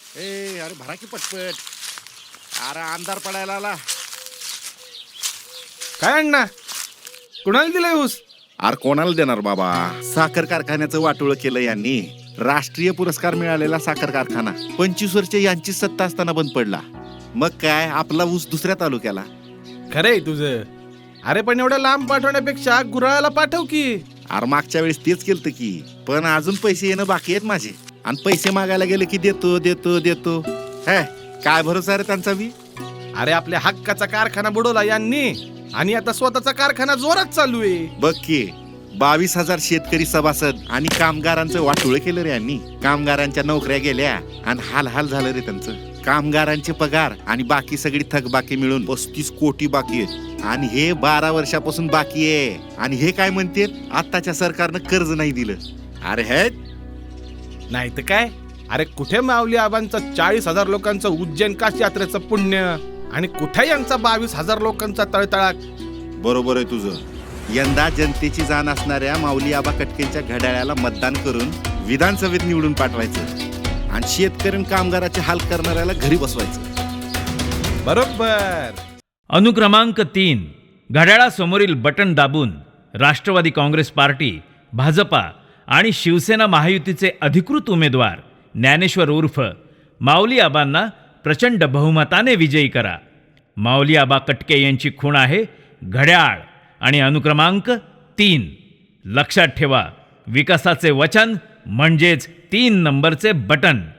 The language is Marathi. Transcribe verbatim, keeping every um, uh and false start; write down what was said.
ए अरे भरा की पटपट. अरे अंधार पडायला आला. काय अण्णा, कुणाला दिलाय ऊस? अरे कोणाला देणार बाबा, साखर कारखान्याचं वाटोळं केलं यांनी. राष्ट्रीय पुरस्कार मिळालेला साखर कारखाना पंचवीस वर्ष यांची सत्ता असताना बंद पडला. मग काय आपला ऊस दुसऱ्या तालुक्याला. खरंय तुझं. अरे पण एवढ्या लांब पाठवण्यापेक्षा गुराळाला पाठव की. अरे मागच्या वेळेस तेच केलं की, पण अजून पैसे येणं बाकी आहेत माझे. आणि पैसे मागायला गेले की देतो देतो देतो. हे काय भरोसा रे त्यांचा बी. अरे आपल्या हक्काचा कारखाना बुडवला यांनी आणि आता स्वतःचा कारखाना जोरात चालू आहे. बघ की बावीस हजार शेतकरी सभासद आणि कामगारांचं वाटोळं केलं रे यांनी. कामगारांच्या नोकऱ्या गेल्या आणि हाल हाल झालं रे त्यांचं. कामगारांचे पगार आणि बाकी सगळी थकबाकी मिळून पस्तीस कोटी बाकी आहेत. आणि हे बारा वर्षापासून बाकी आहे. आणि हे काय म्हणते, आताच्या सरकारनं कर्ज नाही दिलं. अरे हे नाही तर काय. अरे कुठे माऊली आबांचं चाळीस हजार लोकांचं उज्जैन काशी यात्रेचं पुण्य आणि कुठे यांचा बावीस हजार लोकांचा तळतळाक. बरोबर आहे तुझं. यंदा जनतेची जाण असणाऱ्या माऊली आबा कटकेंच्या घड्याळाला मतदान करून विधानसभेत निवडून पाठवायचं आणि शेतकरी कामगाराचे हाल करणाऱ्याला घरी बसवायचं. बरोबर. अनुक्रमांक तीन, घड्याळासमोरील बटन दाबून राष्ट्रवादी काँग्रेस पार्टी, भाजपा आणि शिवसेना महायुतीचे अधिकृत उमेदवार ज्ञानेश्वर उर्फ माऊली आबांना प्रचंड बहुमताने विजयी करा. माऊली आबा कटके यांची खूण आहे घड्याळ आणि अनुक्रमांक तीन. लक्षात ठेवा, विकासाचे वचन म्हणजेच तीन नंबरचे बटन.